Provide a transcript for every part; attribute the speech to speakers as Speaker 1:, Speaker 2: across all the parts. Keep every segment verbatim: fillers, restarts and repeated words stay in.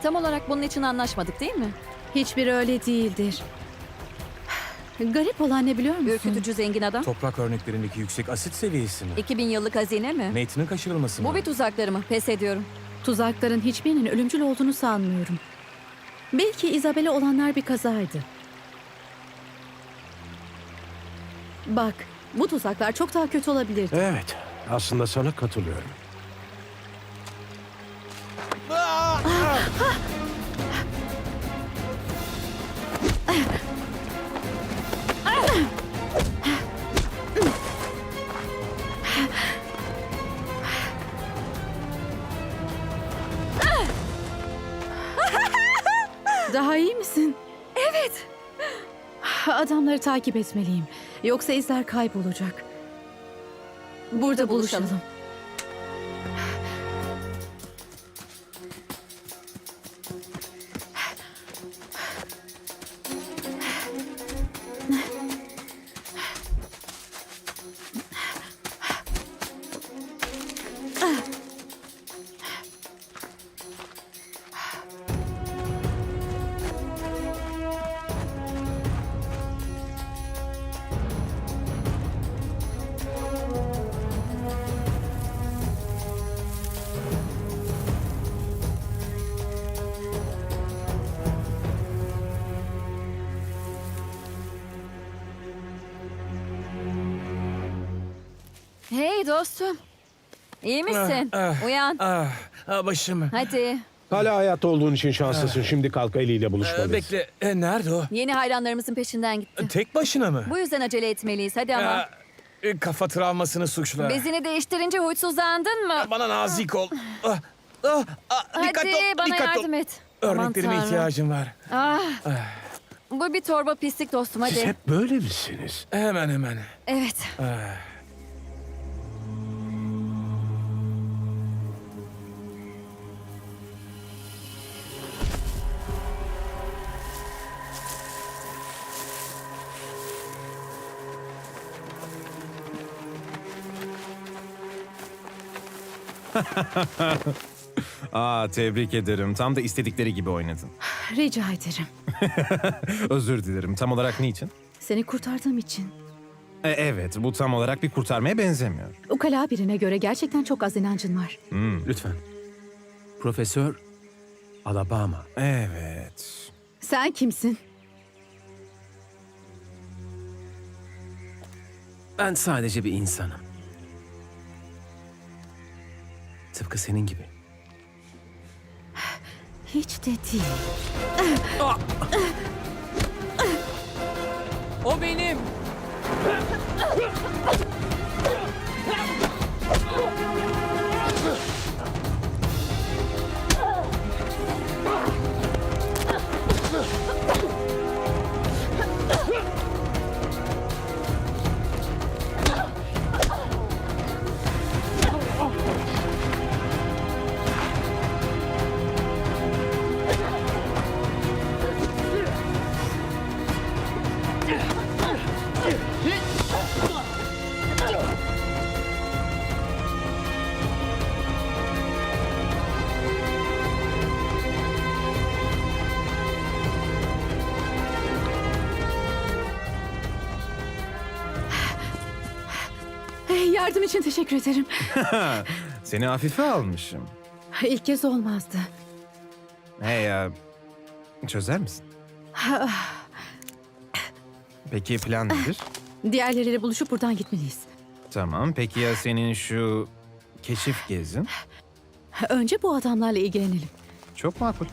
Speaker 1: Tam olarak bunun için anlaşmadık değil mi?
Speaker 2: Hiçbir öyle değildir. Garip olan ne biliyor musun?
Speaker 1: Ürkütücü zengin adam.
Speaker 3: Toprak örneklerindeki yüksek asit seviyesi mi?
Speaker 1: iki bin yıllık hazine mi?
Speaker 3: Nathan'ın kaçırılması mı?
Speaker 1: Bu bir tuzakları mı? Pes ediyorum.
Speaker 2: Tuzakların hiçbirinin ölümcül olduğunu sanmıyorum. Belki Isabel'e olanlar bir kazaydı. Bak, bu tuzaklar çok daha kötü olabilirdi.
Speaker 4: Evet, aslında sana katılıyorum.
Speaker 2: Daha iyi misin? Evet. Adamları takip etmeliyim. Yoksa izler kaybolacak. Burada
Speaker 1: buluşalım.
Speaker 2: buluşalım.
Speaker 1: Hey dostum. İyi misin?
Speaker 3: Ah, ah.
Speaker 1: Uyan.
Speaker 3: Ah, ah başım.
Speaker 1: Hadi.
Speaker 4: Hala hayatta olduğun için şanslısın. Şimdi kalk Eli ile
Speaker 3: Ee,
Speaker 4: buluşmalıyız.
Speaker 3: bekle, e, nerede o?
Speaker 1: Yeni hayranlarımızın peşinden gitti.
Speaker 3: Tek başına mı?
Speaker 1: Bu yüzden acele etmeliyiz. Hadi ama.
Speaker 3: Ah, e, kafa travmasını suçla.
Speaker 1: Bezini değiştirince huysuzlandın mı?
Speaker 3: Bana nazik ol. Ah, ah, ah,
Speaker 1: Hadi
Speaker 3: dikkat ol,
Speaker 1: bana
Speaker 3: dikkat
Speaker 1: yardım
Speaker 3: ol.
Speaker 1: et. Aman
Speaker 3: Örneklerime
Speaker 1: Tanrım.
Speaker 3: ihtiyacım var.
Speaker 1: Ah. Bu bir torba pislik dostum hadi.
Speaker 4: Siz hep böyle misiniz?
Speaker 3: Hemen hemen.
Speaker 1: Evet.
Speaker 3: Ah.
Speaker 5: Aa, tebrik ederim. Tam da istedikleri gibi oynadın.
Speaker 2: Rica ederim.
Speaker 5: Özür dilerim. Tam olarak niçin?
Speaker 2: Seni kurtardığım için.
Speaker 5: E, evet, bu tam olarak bir kurtarmaya benzemiyor.
Speaker 2: Ukala birine göre gerçekten çok az inancın var.
Speaker 4: Lütfen. Profesör Alabama.
Speaker 5: Evet.
Speaker 2: Sen kimsin?
Speaker 6: Ben sadece bir insanım. Tıpkı senin gibi.
Speaker 2: Hiç de değil.
Speaker 6: O benim.
Speaker 2: Hey, yardım için teşekkür ederim.
Speaker 5: Seni hafife almışım.
Speaker 2: İlk kez olmazdı.
Speaker 5: Hey ya, çözer misin? Peki plan nedir?
Speaker 2: Diğerleriyle buluşup buradan gitmeliyiz.
Speaker 5: Tamam, peki ya senin şu keşif gezin?
Speaker 2: Önce bu adamlarla ilgilenelim.
Speaker 5: Çok makul.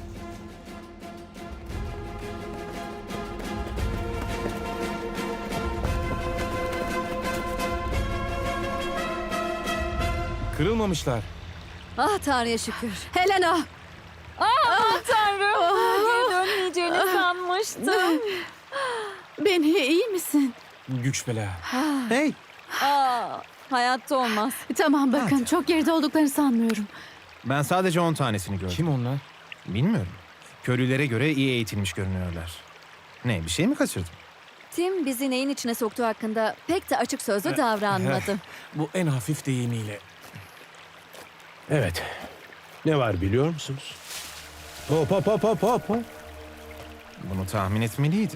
Speaker 3: Kırılmamışlar.
Speaker 1: Ah Tanrı'ya şükür.
Speaker 2: Helena!
Speaker 1: Aman Tanrım. Geri dönmeyeceğini sanmıştım.
Speaker 2: Beni iyi misin?
Speaker 3: Güç bela.
Speaker 5: Hey!
Speaker 1: Aa, hayatta olmaz.
Speaker 2: Tamam bakın, çok geride olduklarını sanmıyorum.
Speaker 5: Ben sadece on tanesini gördüm.
Speaker 3: Kim onlar?
Speaker 5: Bilmiyorum. Köylülere göre iyi eğitilmiş görünüyorlar. Ne, bir şey mi kaçırdım?
Speaker 1: Tim bizi neyin içine soktuğu hakkında pek de açık sözlü davranmadı.
Speaker 3: Bu en hafif deyimiyle.
Speaker 4: Evet. Ne var biliyor musunuz? Hop hop hop hop hop. hop.
Speaker 5: Bunu tahmin etmeliydim.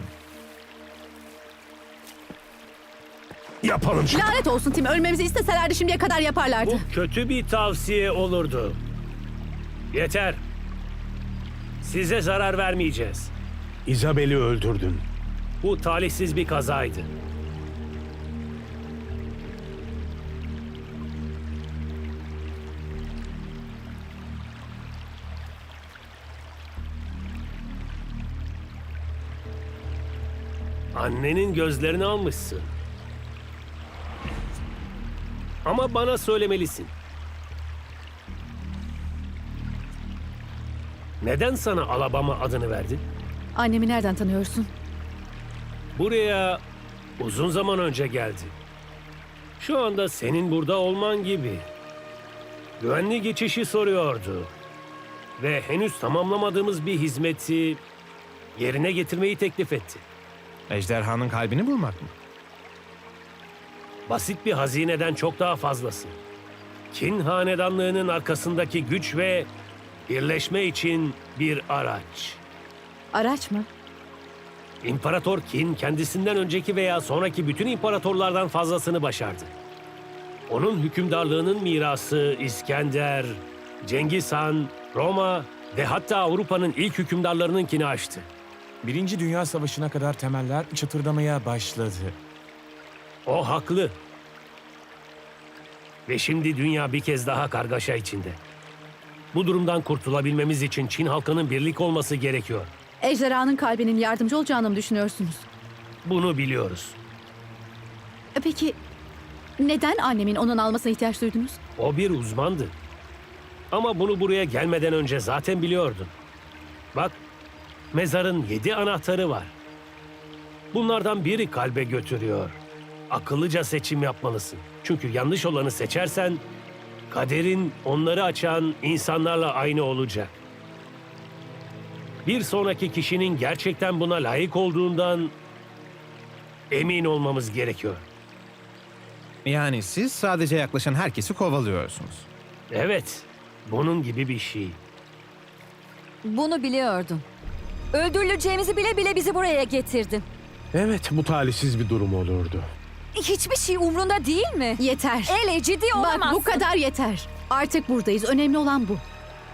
Speaker 4: Yapalım şunu.
Speaker 2: Lanet olsun Tim. Ölmemizi isteselerdi şimdiye kadar yaparlardı.
Speaker 7: Bu kötü bir tavsiye olurdu. Yeter. Size zarar vermeyeceğiz.
Speaker 4: Isabel'i öldürdün.
Speaker 7: Bu talihsiz bir kazaydı. Annenin gözlerini almışsın. Ama bana söylemelisin. Neden sana Alabama adını verdi?
Speaker 2: Annemi nereden tanıyorsun?
Speaker 7: Buraya uzun zaman önce geldi. Şu anda senin burada olman gibi. Güvenli geçişi soruyordu. Ve henüz tamamlamadığımız bir hizmeti yerine getirmeyi teklif etti.
Speaker 5: Ejderhanın kalbini bulmak mı?
Speaker 7: Basit bir hazineden çok daha fazlası. Kin hanedanlığının arkasındaki güç ve birleşme için bir araç.
Speaker 2: Araç mı?
Speaker 7: İmparator Kin kendisinden önceki veya sonraki bütün imparatorlardan fazlasını başardı. Onun hükümdarlığının mirası İskender, Cengiz Han, Roma ve hatta Avrupa'nın ilk hükümdarlarınınkini aştı.
Speaker 3: Birinci Dünya Savaşı'na kadar temeller çıtırdamaya başladı.
Speaker 7: O haklı. Ve şimdi dünya bir kez daha kargaşa içinde. Bu durumdan kurtulabilmemiz için Çin halkının birlik olması gerekiyor.
Speaker 2: Ejderhanın kalbinin yardımcı olacağını mı düşünüyorsunuz?
Speaker 7: Bunu biliyoruz.
Speaker 2: E Peki neden annemin onun almasına ihtiyaç duydunuz?
Speaker 7: O bir uzmandı. Ama bunu buraya gelmeden önce zaten biliyordun. Bak, mezarın yedi anahtarı var. Bunlardan biri kalbe götürüyor. Akıllıca seçim yapmalısın. Çünkü yanlış olanı seçersen, kaderin onları açan insanlarla aynı olacak. Bir sonraki kişinin gerçekten buna layık olduğundan emin olmamız gerekiyor.
Speaker 5: Yani siz sadece yaklaşan herkesi kovalıyorsunuz.
Speaker 7: Evet, bunun gibi bir şey.
Speaker 1: Bunu biliyordum. Öldürüleceğimizi bile bile bizi buraya getirdin.
Speaker 4: Evet, bu talihsiz bir durum olurdu.
Speaker 1: Hiçbir şey umrunda değil mi?
Speaker 2: Yeter.
Speaker 1: Ele ciddi olamazsın.
Speaker 2: Bak bu kadar yeter. Artık buradayız. Önemli olan bu.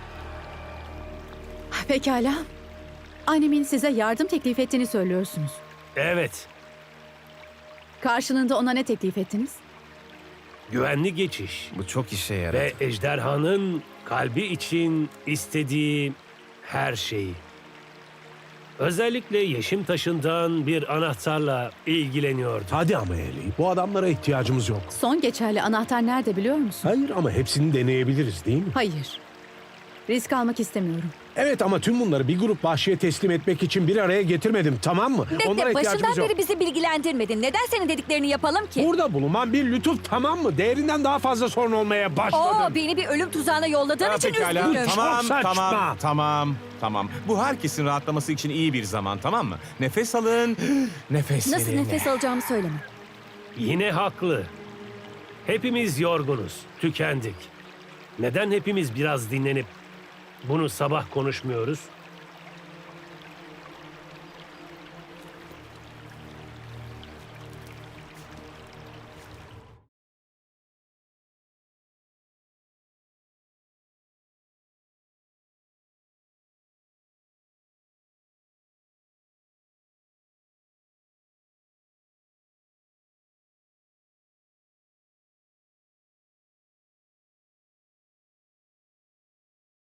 Speaker 2: Pekala. Annemin size yardım teklif ettiğini söylüyorsunuz.
Speaker 7: Evet,
Speaker 2: Karşılığında ona ne teklif ettiniz?
Speaker 7: güvenli geçiş.
Speaker 5: Bu çok işe yaradı.
Speaker 7: Ve ejderhanın kalbi için istediği her şeyi. Özellikle yeşim taşından bir anahtarla ilgileniyordu.
Speaker 4: Hadi ama Eli, bu adamlara ihtiyacımız yok.
Speaker 2: Son geçerli anahtar nerede biliyor musun?
Speaker 4: Hayır ama hepsini deneyebiliriz değil mi?
Speaker 2: Hayır. Risk almak istemiyorum.
Speaker 4: Evet ama tüm bunları bir grup vahşiye teslim etmek için bir araya getirmedim, tamam mı?
Speaker 1: Bekle,
Speaker 4: Onlara ihtiyacımız
Speaker 1: başından
Speaker 4: yok.
Speaker 1: beri bizi bilgilendirmedin. Neden senin dediklerini yapalım ki?
Speaker 4: Burada bulunan bir lütuf, tamam mı? Değerinden daha fazla sorun olmaya başladı.
Speaker 1: Oo, beni bir ölüm tuzağına yolladığın
Speaker 3: Ha,
Speaker 1: için
Speaker 3: pekala.
Speaker 1: üzgünüm.
Speaker 3: Tamam,
Speaker 4: saçma.
Speaker 3: tamam, tamam, tamam. Bu herkesin rahatlaması için iyi bir zaman, tamam mı? Nefes alın, nefes
Speaker 1: Nasıl
Speaker 3: verin.
Speaker 1: nefes alacağımı söyleme.
Speaker 7: Yine haklı. Hepimiz yorgunuz, tükendik. Neden hepimiz biraz dinlenip bunu sabah konuşmuyoruz?